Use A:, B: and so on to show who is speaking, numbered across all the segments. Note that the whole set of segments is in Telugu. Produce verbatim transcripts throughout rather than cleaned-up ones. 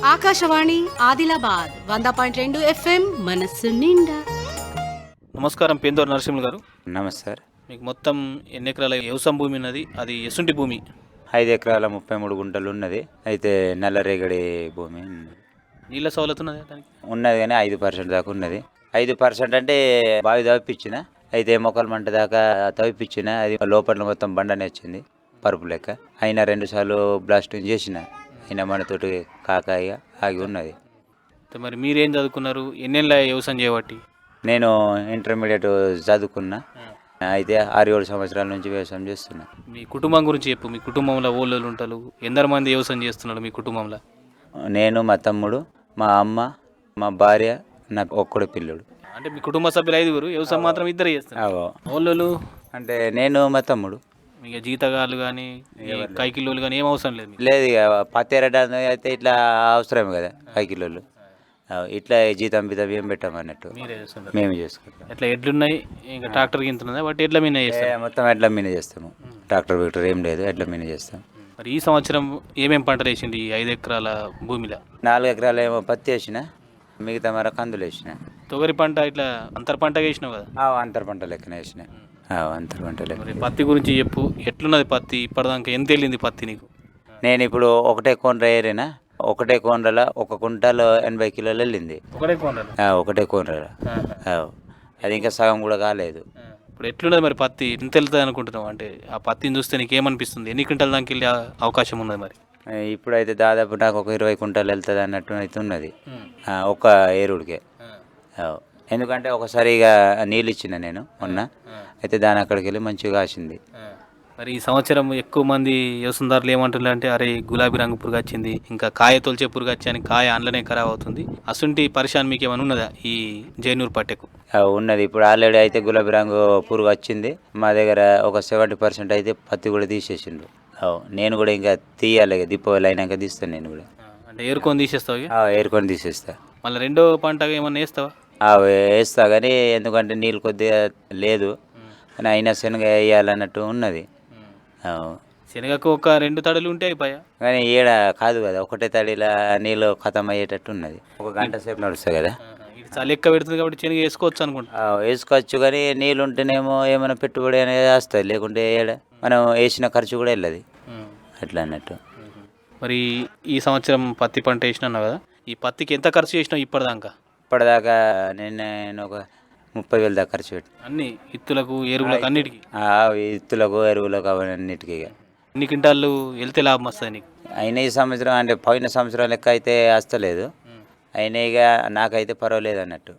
A: ఆకాశవాణి ఆదిలాబాద్ వంద పాయింట్ రెండు ఎఫ్ఎం మనస్సు నిండా.
B: నమస్కారం, పేందూరు నరసింహులు గారు.
C: నమస్తే.
B: మీకు మొత్తం ఎన్ని ఎకరాల వ్యవసాయం భూమి ఉన్నది? అది ఎసుంటి భూమి?
C: ఐదు ఎకరాల ముప్పై మూడు గుంటలు ఉన్నది. అయితే నల్లరేగడి భూమి ఉన్నది.
B: నీళ్ళ సౌలత్ ఉన్నది దానికి?
C: ఉన్నది కానీ ఐదు పర్సెంట్ దాకా ఉన్నది. ఐదు పర్సెంట్ అంటే బావి తవ్విపించిన, అయితే మొక్కల మంట దాకా తవ్విపించిన. అది లోపల మొత్తం బండనే వచ్చింది పరుపు లెక్క. అయినా రెండు సార్లు బ్లాస్టింగ్ చేసిన, అయినా మనతోటి కాకాయ ఆగి ఉన్నది.
B: మరి మీరేం చదువుకున్నారు? ఎన్నెళ్ళ వ్యవసాయం చేయబట్టి?
C: నేను ఇంటర్మీడియట్ చదువుకున్నా, అయితే ఆరు ఏడు సంవత్సరాల నుంచి వ్యవసాయం చేస్తున్నా.
B: మీ కుటుంబం గురించి చెప్పు. మీ కుటుంబంలో ఓళ్ళు ఉంటారు, ఎందరు మంది వ్యవసాయం చేస్తున్నారు మీ కుటుంబంలో?
C: నేను, మా తమ్ముడు, మా అమ్మ, మా భార్య, నా ఒక్కడు పిల్లడు.
B: అంటే మీ కుటుంబ సభ్యులు ఐదుగురు, వ్యవసాయం మాత్రం ఇద్దరు చేస్తారు. ఓళ్ళు
C: అంటే నేను, మా తమ్ముడు.
B: ఇక జీతగాళ్ళు కానీ కైకిల్లోళ్ళు కానీ ఏం అవసరం లేదు?
C: లేదు, ఇక పత్తి ఎరడానికి అయితే ఇట్లా అవసరం కదా కైకిలోళ్ళు. ఇట్లా జీతం బితం ఏం పెట్టామన్నట్టు
B: మీరే చేస్తున్నారు?
C: మేము చేసుకుంటాం.
B: ఎట్లా ఎడ్లున్నాయి? ఇంకా ట్రాక్టర్ గింతున్నదా? వాటి ఎడ్ల మీద చేస్తారు?
C: మొత్తం ఎడ్ల మీద చేస్తాము. ట్రాక్టర్ విక్టర్ ఏం లేదు, ఎడ్ల మీద చేస్తాం.
B: మరి ఈ సంవత్సరం ఏమేమి పంటలు వేసింది ఈ ఐదు ఎకరాల భూమిలో?
C: నాలుగు ఎకరాలు ఏమో పత్తి వేసిన, మిగతా మర కందులు వేసిన.
B: తొగరి పంట ఇట్లా అంతర్ పంట వేసినావు కదా?
C: అంతర పంట లెక్కన వేసిన. అంతర పంట లెక్క.
B: మరి పత్తి గురించి చెప్పు. ఎట్లున్నది పత్తి? ఇప్పటిదాకా ఎంత వెళ్ళింది పత్తి నీకు?
C: నేను ఇప్పుడు ఒకటే కోనర ఏరినా. ఒకటే కోనరల ఒక కుంటాలు ఎనభై కిలోలు వెళ్ళింది.
B: ఒకటే కోనర?
C: ఒకటే కోనర. అది ఇంకా సగం కూడా కాలేదు.
B: ఇప్పుడు ఎట్లున్నది మరి పత్తి? ఎంత వెళ్తుంది అనుకుంటున్నావు? అంటే ఆ పత్తిని చూస్తే నీకు ఏమనిపిస్తుంది? ఎన్ని క్వింటాల దానికి వెళ్ళే అవకాశం ఉన్నది మరి?
C: ఇప్పుడైతే దాదాపు నాకు ఒక ఇరవై కుంటాలు వెళ్తుంది అన్నట్టు అయితే ఉన్నది ఒక ఏరుడికే. ఎందుకంటే ఒకసారి ఇక నీళ్ళు ఇచ్చిన నేను మొన్న, అయితే దాని అక్కడికి వెళ్ళి మంచిగా కాసింది.
B: మరి ఈ సంవత్సరం ఎక్కువ మంది వ్యవసాయదారులు ఏమంటున్నారు అంటే, అరే గులాబీ రంగు పురుగు వచ్చింది, ఇంకా కాయ తొలిచే పురుగు వచ్చి కాయ అందులోనే ఖరాబ్ అవుతుంది. అసంటి పరిశాన్ మీకు ఏమైనా ఉన్నదా ఈ జైనూరు పట్టెకు?
C: ఉన్నది. ఇప్పుడు ఆల్రెడీ అయితే గులాబీ రంగు పురుగు వచ్చింది మా దగ్గర. ఒక సెవెంటీ పర్సెంట్ అయితే పత్తి కూడా తీసేసిండ్రు. నేను కూడా ఇంకా తీయాలి, దీపావళి అయినాక తీస్తాను నేను కూడా.
B: అంటే ఏరుకొని తీసేస్తావు?
C: ఏరుకొని తీసేస్తా.
B: మళ్ళీ రెండో పంట ఏమన్నా వేస్తావా?
C: వేస్తా, కానీ ఎందుకంటే నీళ్ళు కొద్దిగా లేదు, కానీ అయినా శనగ వేయాలన్నట్టు ఉన్నది.
B: శనగకు ఒక రెండు తడులు ఉంటే అయిపోయా,
C: కానీ ఈడ కాదు కదా, ఒకటే తడిలా నీళ్ళు ఖతం అయ్యేటట్టు ఉన్నది. ఒక గంట సేపు నడుస్తుంది కదా.
B: చలి ఎక్కువ పెడుతుంది కాబట్టి శనగ వేసుకోవచ్చు అనుకుంటా.
C: వేసుకోవచ్చు, కానీ నీళ్ళు ఉంటేనేమో ఏమైనా పెట్టుబడి అనేది వస్తుంది, లేకుంటే ఏడ మనం వేసిన ఖర్చు కూడా వెళ్ళదు అట్లా అన్నట్టు.
B: మరి ఈ సంవత్సరం పత్తి పంట వేసినావు కదా, ఈ పత్తికి ఎంత ఖర్చు చేసినావు ఇప్పటిదాకా?
C: ఇప్పటిదాకా నేను నేను ఒక ముప్పై వేలు దాకా ఖర్చు పెట్టి,
B: అన్ని ఇత్తులకు ఎరువులకు అన్నిటికీ?
C: ఇత్తులకు ఎరువులకు అవన్నిటికీ.
B: ఎన్ని క్వింటాళ్ళు వెళ్తే లాభం వస్తుంది నీకు?
C: అయినా ఈ సంవత్సరం అంటే పోయిన సంవత్సరం లెక్క అయితే వస్తలేదు, అయినా ఇక నాకైతే పర్వాలేదు అన్నట్టు.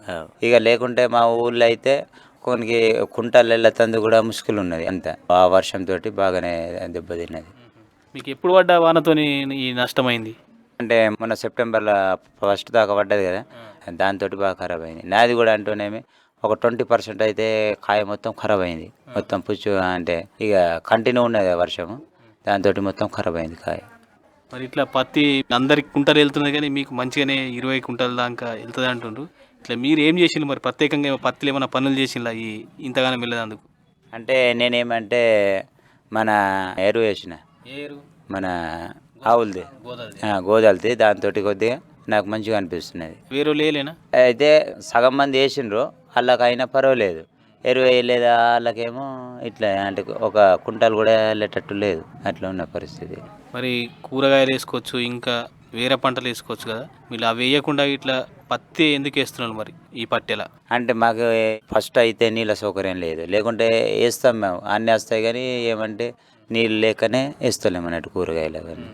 C: ఇక లేకుంటే మా ఊళ్ళో అయితే కొన్ని కుంటాలు వెళ్ళతందు కూడా ముష్కిల్ ఉన్నది. అంత ఆ వర్షంతో బాగానే దెబ్బతిన్నది.
B: మీకు ఎప్పుడు పడ్డ వానతోని ఈ నష్టమైంది?
C: అంటే మొన్న సెప్టెంబర్లో ఫస్ట్ దాకా పడ్డది కదా, దాంతో బాగా ఖరాబ్ అయింది. నాది కూడా అంటూనేమి ఒక ట్వంటీ పర్సెంట్ అయితే కాయ మొత్తం ఖరాబ్ అయింది. మొత్తం పుచ్చు అంటే ఇక కంటిన్యూ ఉన్నది వర్షము, దాంతో మొత్తం ఖరాబ్ అయింది కాయ.
B: మరి ఇట్లా పత్తి అందరికి కుంటలు వెళ్తుంది, కానీ మీకు మంచిగానే ఇరవై కుంటల దాకా వెళ్తుంది అంటుండ్రు. ఇట్లా మీరు ఏం చేసిండ్రు మరి? ప్రత్యేకంగా పత్తిలో ఏమైనా పనులు చేసిండ్రా ఈ ఇంతగానో వెళ్ళేందుకు?
C: అంటే నేనేమంటే మన ఎరువు వేసిన, మన ఆవులది గోదాలది, దాంతో కొద్దిగా నాకు మంచిగా అనిపిస్తున్నది.
B: వేరే లేలేనా?
C: అయితే సగం మంది వేసిండ్రు, వాళ్ళకైనా పర్వాలేదు. ఎరువు వేయలేదా వాళ్ళకేమో ఇట్లా అంటే ఒక కుంటాలు కూడా వెళ్ళేటట్టు లేదు, అట్లా ఉన్న పరిస్థితి.
B: మరి కూరగాయలు వేసుకోవచ్చు, ఇంకా వేరే పంటలు వేసుకోవచ్చు కదా, మీరు అవి వేయకుండా ఇట్లా పత్తి ఎందుకు వేస్తున్నారు మరి ఈ పట్టెలా?
C: అంటే మాకు ఫస్ట్ అయితే నీళ్ళ సౌకర్యం లేదు, లేకుంటే వేస్తాం మేము, అన్నీ వస్తాయి, కానీ ఏమంటే నీళ్ళు లేకనే వేస్తలేము అన్నట్టు కూరగాయలు అవన్నీ.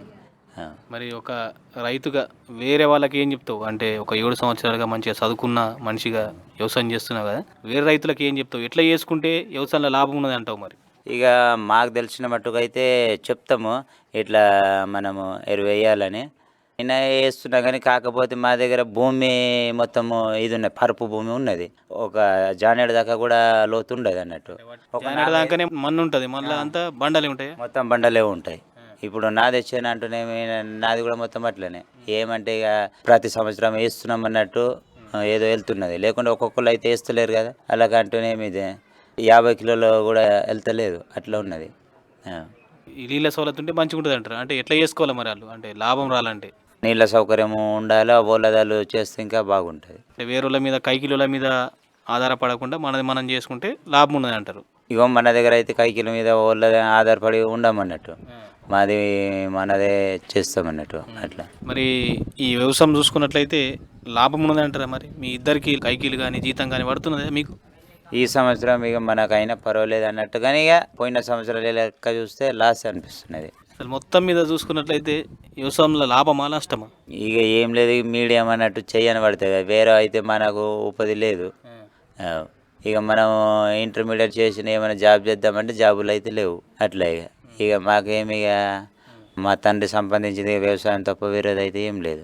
B: మరి ఒక రైతుగా వేరే వాళ్ళకి ఏం చెప్తావు? అంటే ఒక ఏడు సంవత్సరాలుగా మంచిగా చదువుకున్న మనిషిగా వ్యవసాయం చేస్తున్నావు కదా, వేరే రైతులకు ఏం చెప్తావు? ఎట్లా చేసుకుంటే వ్యవసాయంలో లాభం ఉన్నది అంటావు మరి?
C: ఇక మాకు తెలిసిన మట్టుకు అయితే చెప్తాము, ఇట్లా మనము ఎరువు వేయాలని. అయినా వేస్తున్నా కానీ కాకపోతే మా దగ్గర భూమి మొత్తము ఇది ఉన్నది, పరుపు భూమి ఉన్నది, ఒక జానేడు దాకా కూడా లోతు ఉండదు అన్నట్టు.
B: ఒక దాకానే మన్ను ఉంటుంది, మళ్ళీ అంతా బండలే ఉంటాయి,
C: మొత్తం బండలే ఉంటాయి. ఇప్పుడు నాది వచ్చాను అంటూనే నాది కూడా మొత్తం అట్లనే. ఏమంటే ఇక ప్రతి సంవత్సరం వేస్తున్నాం అన్నట్టు ఏదో వెళ్తున్నది, లేకుంటే ఒక్కొక్కరు అయితే వేస్తలేరు కదా, అలాగంటూనేమి ఇది యాభై కిలోలు కూడా వెళ్తలేదు, అట్లా ఉన్నది.
B: ఈ నీళ్ళ సౌలత్ ఉంటే మంచిగా ఉంటుంది అంటారు. అంటే ఎట్లా చేసుకోవాలి మరి వాళ్ళు, అంటే లాభం రాలంటే?
C: నీళ్ళ సౌకర్యం ఉండాలి, ఓలదాలు చేస్తే ఇంకా బాగుంటుంది.
B: అంటే వేరేళ్ళ మీద కైకిలుల మీద ఆధారపడకుండా మనది మనం చేసుకుంటే లాభం ఉన్నది అంటారు.
C: ఇగో మన దగ్గర అయితే కైకిల మీద ఓళ్ళ ఆధారపడి ఉండమన్నట్టు, మాది మనదే చేస్తామన్నట్టు అట్లా.
B: మరి ఈ వ్యవసాయం చూసుకున్నట్లయితే లాభం ఉన్నది అంటారా? మరి మీ ఇద్దరికి కైకిలు కానీ జీతం కానీ పడుతున్నదా మీకు?
C: ఈ సంవత్సరం ఇక మనకైనా పర్వాలేదు అన్నట్టు, కానీ ఇక పోయిన సంవత్సరాలు లెక్క చూస్తే లాస్ అనిపిస్తున్నది.
B: అసలు మొత్తం మీద చూసుకున్నట్లయితే వ్యవసాయంలో లాభమా నష్టమా?
C: ఇక ఏం లేదు, మీడియం అన్నట్టు చెయ్యని పడుతుంది. వేరే అయితే మనకు ఉపాధి లేదు. ఆ, ఇక మనం ఇంటర్మీడియట్ చేసిన ఏమైనా జాబ్ చేద్దామంటే జాబులు అయితే లేవు. అట్లా ఇక ఇక మాకేమి ఇక మా తండ్రి సంపాదించింది వ్యవసాయం తప్ప వేరేది అయితే ఏం లేదు.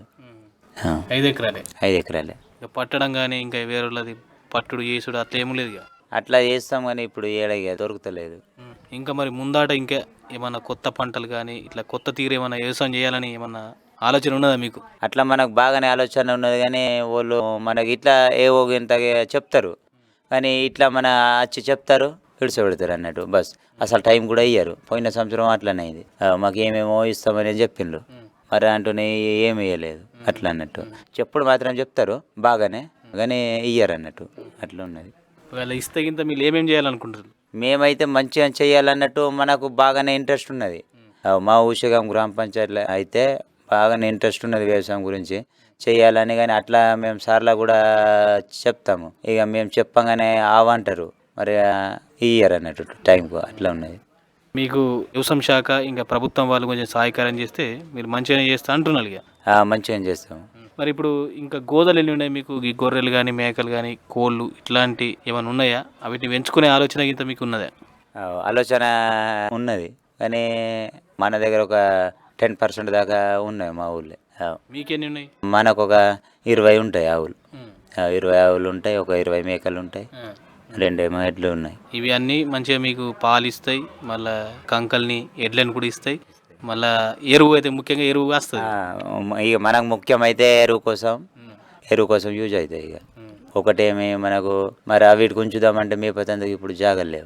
B: ఐదు ఎకరాలే
C: ఐదు ఎకరాలే
B: ఇక పట్టడం కానీ ఇంకా వేరేది పట్టుడు చేసుడు అట్లా ఏం లేదు ఇక.
C: అట్లా చేస్తాం కానీ ఇప్పుడు ఏడగా దొరుకుతలేదు.
B: ఇంకా మరి ముందాట ఇంకా ఏమన్నా కొత్త పంటలు కానీ ఇట్లా కొత్త తీరు ఏమన్నా వ్యవసాయం చేయాలని ఏమన్నా ఆలోచన ఉన్నదా మీకు?
C: అట్లా మనకు బాగానే ఆలోచన ఉన్నది, కానీ వాళ్ళు మనకి ఇట్లా ఏవో ఇంత చెప్తారు, కానీ ఇట్లా మన వచ్చి చెప్తారు విడిచిపెడతారు అన్నట్టు. బస్ అసలు టైం కూడా ఇయ్యారు. పోయిన సంవత్సరం అట్లనే అయింది. మాకు ఏమేమో ఇస్తామని చెప్పిండ్రు, మరి అంటూనే ఏమి ఇవ్వలేదు. అట్లా అన్నట్టు చెప్పుడు మాత్రం చెప్తారు బాగానే, కానీ ఇయ్యరు అన్నట్టు. అట్లా ఉన్నది.
B: ఒకవేళ ఇస్తే గింత మీరు ఏమేమి చేయాలనుకుంటారు?
C: మేమైతే మంచిగా చేయాలన్నట్టు మనకు బాగానే ఇంట్రెస్ట్ ఉన్నది. మా ఊషగాం గ్రామ పంచాయతీలో అయితే బాగానే ఇంట్రెస్ట్ ఉన్నది వ్యవసాయం గురించి చేయాలని, కానీ అట్లా మేము సార్లా కూడా చెప్తాము. ఇక మేము చెప్పగానే ఆవంటారు, మరి ఇయ్యరు అన్నట్టు టైంకు. అట్లా ఉన్నది.
B: మీకు వ్యవసాయ శాఖ ఇంకా ప్రభుత్వం వాళ్ళు కొంచెం సహాయకారం చేస్తే మీరు మంచిగానే చేస్తా అంటున్నారు ఇక.
C: మంచిగా చేస్తాము.
B: మరి ఇప్పుడు ఇంకా గోదలు ఎన్ని ఉన్నాయి మీకు? ఈ గొర్రెలు కానీ మేకలు కానీ కోళ్ళు ఇట్లాంటి ఏమైనా ఉన్నాయా? వీటిని పెంచుకునే ఆలోచన ఇంత మీకు ఉన్నదా?
C: ఆలోచన ఉన్నది, కానీ మన దగ్గర ఒక టెన్ పర్సెంట్ దాకా ఉన్నాయి మా ఊళ్ళో.
B: మీకెన్ని ఉన్నాయి?
C: మనకు ఒక ఇరవై ఉంటాయి ఆవులు. ఇరవై ఆవులు ఉంటాయి, ఒక ఇరవై మేకలు ఉంటాయి, రెండేమో ఎడ్లు ఉన్నాయి.
B: ఇవి అన్నీ మంచిగా మీకు పాలు ఇస్తాయి, మళ్ళీ కంకల్ని ఎడ్లను కూడా ఇస్తాయి, మళ్ళీ ఎరువు అయితే ముఖ్యంగా ఎరువు వస్తుంది.
C: ఇక మనకు ముఖ్యమైతే ఎరువు కోసం ఎరువు కోసం యూజ్ అవుతాయి. ఇక ఒకటేమి మనకు మరి వీటికి ఉంచుదామంటే మేపతందుకు ఇప్పుడు జాగలేవు.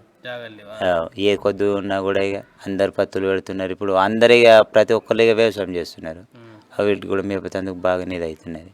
C: ఏ కొద్ది ఉన్నా కూడా ఇక అందరు పత్తులు పెడుతున్నారు. ఇప్పుడు అందరు ఇక ప్రతి ఒక్కరు ఇక వ్యవసాయం చేస్తున్నారు. వీటికి కూడా మేపతందుకు బాగా నీది అవుతున్నది.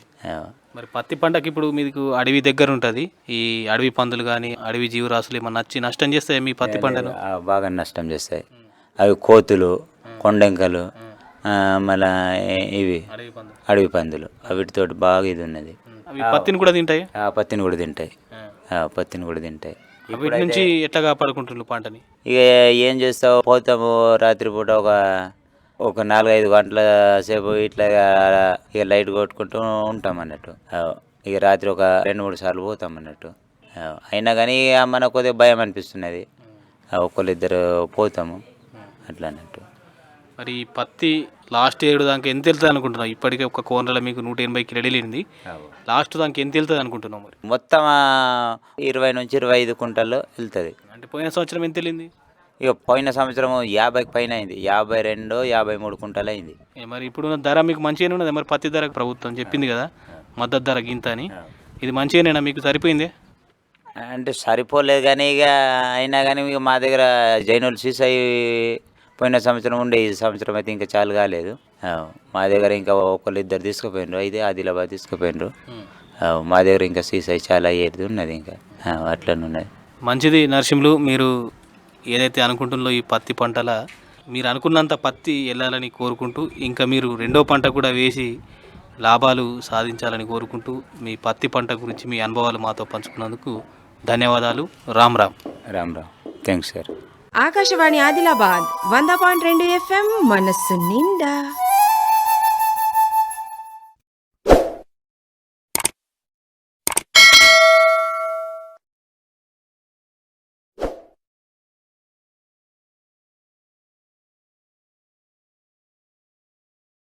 B: మరి పత్తి పంటకి ఇప్పుడు మీకు అడవి దగ్గర ఉంటుంది. ఈ అడవి పందులు కానీ అడవి జీవరాశులు ఏమన్నా నచ్చి నష్టం చేస్తాయి మీ పత్తి పంటను?
C: బాగా నష్టం చేస్తాయి. అవి కోతులు, కొండెంకలు, మళ్ళా ఇవి అడవి పందులు, వీటితోటి బాగా ఇది ఉన్నది.
B: పత్తిని కూడా తింటాయి.
C: పత్తిని కూడా తింటాయి పత్తిని కూడా తింటాయి.
B: వీటి నుంచి ఎట్లా కాపాడుకుంటున్నారు పంటని?
C: ఇక ఏం చేస్తావు, పోతాము రాత్రిపూట ఒక ఒక నాలుగైదు గంటల సేపు ఇట్లా ఇక లైట్ కొట్టుకుంటూ ఉంటాం అన్నట్టు. ఇక రాత్రి ఒక రెండు మూడు సార్లు పోతాం అన్నట్టు. అయినా కానీ మనకు కొద్దిగా భయం అనిపిస్తున్నది. ఒకళ్ళిద్దరు పోతాము అట్లా అన్నట్టు.
B: మరి పత్తి లాస్ట్ ఏడు దానికి ఎంత వెళ్తుంది అనుకుంటున్నావు? ఇప్పటికే ఒక కోనలో మీకు నూట ఎనభై కిలోలు వెళ్ళింది. లాస్ట్ దానికి ఎంత వెళ్తుంది అనుకుంటున్నావు? మరి
C: మొత్తం ఇరవై నుంచి ఇరవై ఐదు కుంటల్లో వెళ్తుంది.
B: అంటే పోయిన సంవత్సరం ఎంత వెళ్ళింది?
C: ఇక పోయిన సంవత్సరం యాభైకి పైన అయింది. యాభై రెండు యాభై మూడు కుంటలు అయింది.
B: మరి ఇప్పుడు ధర మీకు మంచిగానే ఉన్నది. మరి పత్తి ధర ప్రభుత్వం చెప్పింది కదా మద్దతు ధర గింత అని, ఇది మంచిగానేనా మీకు? సరిపోయింది
C: అంటే సరిపోలేదు, కానీ ఇక అయినా కానీ ఇక మా దగ్గర జైనులు సీసాయి పోయిన సంవత్సరం ఉండే, ఈ సంవత్సరం అయితే ఇంకా చాలు కాలేదు. మా దగ్గర ఇంకా ఒకళ్ళు ఇద్దరు తీసుకుపోయినరు, అయితే ఆదిలాబాద్ తీసుకుపోయినరు. మా దగ్గర ఇంకా సీసాయి చాలా ఏది ఉన్నది, ఇంకా అట్లనే ఉన్నది.
B: మంచిది నరసింహులు, మీరు ఏదైతే అనుకుంటున్నారో ఈ పత్తి పంటల మీరు అనుకున్నంత పత్తి వెళ్ళాలని కోరుకుంటూ, ఇంకా మీరు రెండో పంట కూడా వేసి లాభాలు సాధించాలని కోరుకుంటూ, మీ పత్తి పంట గురించి మీ అనుభవాలు మాతో పంచుకున్నందుకు ధన్యవాదాలు. రామ్ రామ్.
C: రామ్ రామ్. Thanks sir.
D: ఆకాశవాణి ఆదిలాబాద్ వంద పాయింట్ రెండు ఎఫ్ఎం మనస్సు నిండా.